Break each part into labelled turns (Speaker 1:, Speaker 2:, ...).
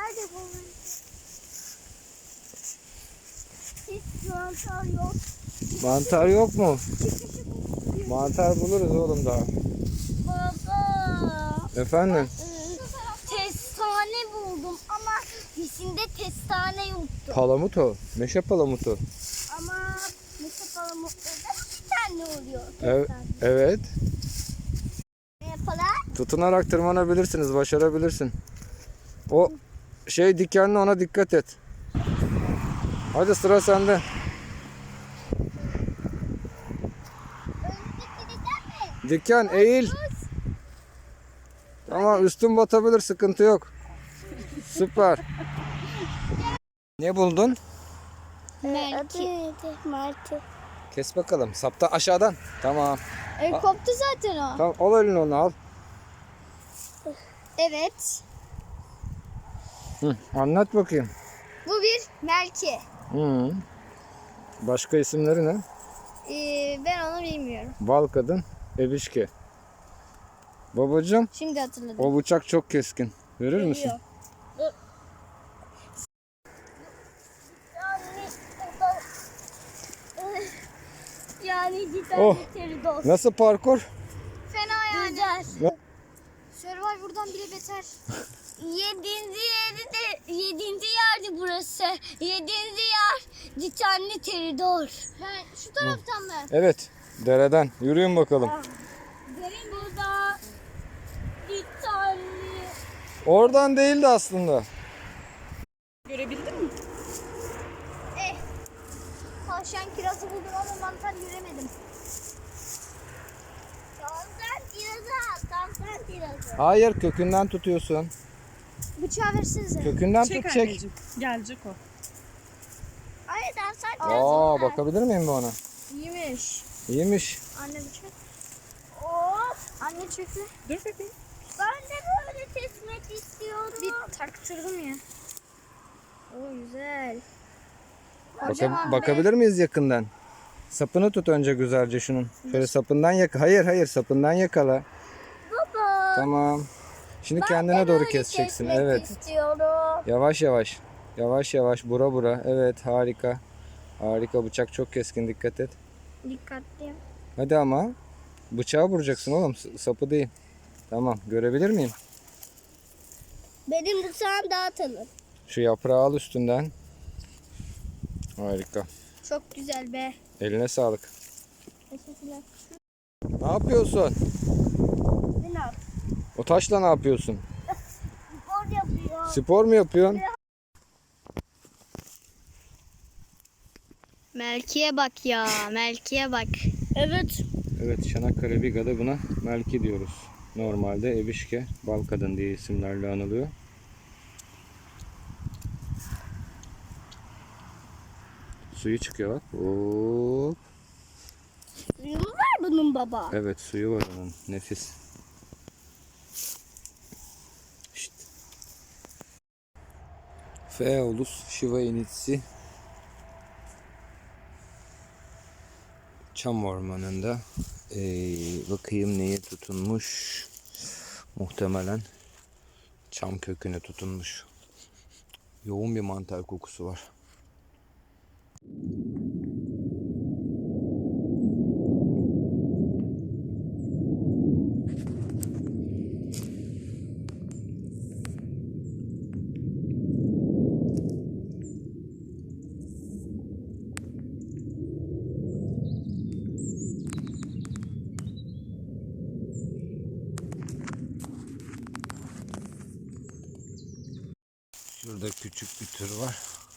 Speaker 1: Nerede bu? Hiç mantar yok.
Speaker 2: Mantar yok mu?
Speaker 1: Çıkışı bu.
Speaker 2: Mantar buluruz oğlum daha.
Speaker 1: Baba.
Speaker 2: Efendim?
Speaker 1: Kestane buldum ama içinde kestane yoktu.
Speaker 2: Palamut o. Meşe palamutu.
Speaker 1: Ama mesela palamutlarda bir tane oluyor.
Speaker 2: Evet.
Speaker 1: Kestane.
Speaker 2: Evet.
Speaker 1: Ne yapalım?
Speaker 2: Tutunarak tırmanabilirsiniz. Başarabilirsin. O şey dikenli, ona dikkat et. Hadi sıra sende.
Speaker 1: Önündeki neden mi?
Speaker 2: Diken eğil. Tamam, üstün batabilir, sıkıntı yok. Süper. Ne buldun?
Speaker 1: Merki. Merki.
Speaker 2: Kes bakalım. Sapta aşağıdan. Tamam.
Speaker 1: Koptu zaten o.
Speaker 2: Tamam, al elini, onu al.
Speaker 1: Evet.
Speaker 2: Hı, anlat bakayım.
Speaker 1: Bu bir merki.
Speaker 2: Hı. Başka isimleri ne?
Speaker 1: Ben onu bilmiyorum.
Speaker 2: Bal kadın, ebişke. Babacığım,
Speaker 1: Şimdi hatırladım.
Speaker 2: o bıçak çok keskin. Verir misin?
Speaker 1: Yani
Speaker 2: Oh.
Speaker 1: teridor.
Speaker 2: Nasıl parkur?
Speaker 1: Fena yani. Güzel.
Speaker 2: Ne?
Speaker 1: Survivor'dan bile beter. Yedinci yerdi burası. Yedinci yer dikenli teridor. Ben şu taraftan mı?
Speaker 2: Evet, dereden. Yürüyün bakalım.
Speaker 1: Derin burada dikenli.
Speaker 2: Oradan değildi aslında.
Speaker 3: Görebildin mi?
Speaker 1: Tavşan kirazı buldum ama mantar göremedim. Tavşan kirazı.
Speaker 2: Hayır, kökünden tutuyorsun.
Speaker 1: Bıçağı versenize.
Speaker 2: Kökünden
Speaker 3: Çek
Speaker 2: tut, çek.
Speaker 3: anneciğim. Gelecek o.
Speaker 1: Hayır tavşan
Speaker 2: Aa, bakabilir miyim bu ona?
Speaker 1: İyiymiş.
Speaker 2: İyiymiş.
Speaker 1: Anne bıçak. Oo, anne çöktü.
Speaker 3: Dur bakayım.
Speaker 1: Ben de böyle kesmek istiyorum. Bir taktırdım ya. Oo güzel.
Speaker 2: Bakabilir miyiz yakından? Sapını tut önce güzelce şunun. Şöyle sapından Hayır, sapından yakala.
Speaker 1: Baba.
Speaker 2: Tamam. Şimdi kendine
Speaker 1: Ben de
Speaker 2: doğru
Speaker 1: böyle
Speaker 2: keseceksin.
Speaker 1: kesmek
Speaker 2: Evet.
Speaker 1: istiyorum.
Speaker 2: Yavaş yavaş. Yavaş yavaş, bura bura. Evet, harika. Harika, bıçak çok keskin, dikkat et.
Speaker 1: Dikkatli.
Speaker 2: Hadi ama. Bıçağı vuracaksın oğlum, sapı değil. Tamam, görebilir miyim?
Speaker 1: Benim bıçağım daha tanır.
Speaker 2: Şu yaprağı al üstünden. Harika.
Speaker 1: Çok güzel be.
Speaker 2: Eline sağlık.
Speaker 1: Teşekkürler.
Speaker 2: Ne yapıyorsun?
Speaker 1: Ne yap?
Speaker 2: O taşla ne yapıyorsun?
Speaker 1: Spor yapıyor.
Speaker 2: Spor mu yapıyorsun?
Speaker 1: Melki'ye bak ya. Melki'ye bak. Evet.
Speaker 2: Evet, Çanakkale Biga'da buna melki diyoruz. Normalde ebişke, bal kadın diye isimlerle anılıyor. Suyu çıkıyor bak. Hop.
Speaker 1: Suyu mu var bunun baba?
Speaker 2: Evet, suyu var onun. Nefis. Şşt. Phaeolus shivainitsi çam ormanında. Bakayım neye tutunmuş. Muhtemelen çam köküne tutunmuş. Yoğun bir mantar kokusu var. Şurada küçük bir tür var.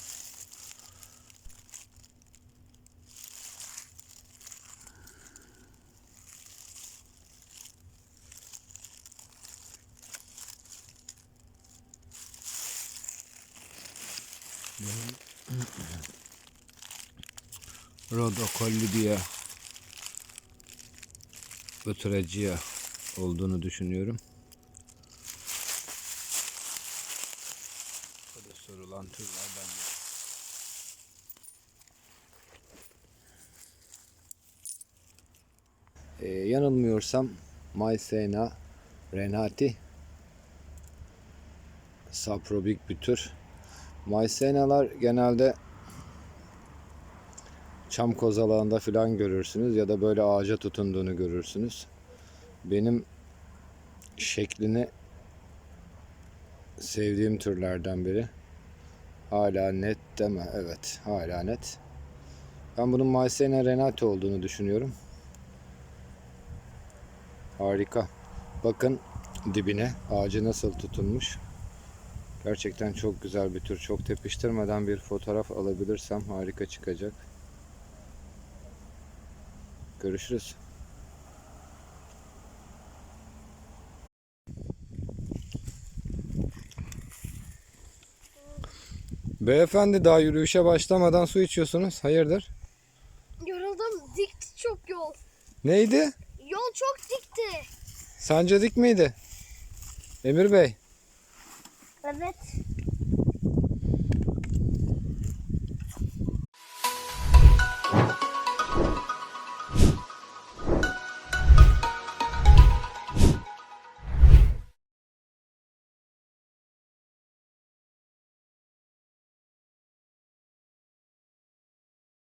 Speaker 2: Rhodocollidia Botrygia olduğunu düşünüyorum. Bu da sorulan türlerden biri. Yanılmıyorsam Maysena renati Saprobik bir tür. Mycenalar genelde çam kozalağında falan görürsünüz ya da böyle ağaca tutunduğunu görürsünüz. Benim şeklini sevdiğim türlerden biri. Hala net deme. Evet, hala net. Ben bunun Mycena renate olduğunu düşünüyorum. Harika. Bakın dibine ağacı nasıl tutunmuş. Gerçekten çok güzel bir tür. Çok tepiştirmeden bir fotoğraf alabilirsem harika çıkacak. Görüşürüz. Beyefendi daha yürüyüşe başlamadan su içiyorsunuz. Hayırdır?
Speaker 1: Yoruldum. Dikti çok yol.
Speaker 2: Neydi?
Speaker 1: Yol çok dikti.
Speaker 2: Sence dik miydi? Emir Bey.
Speaker 1: Evet.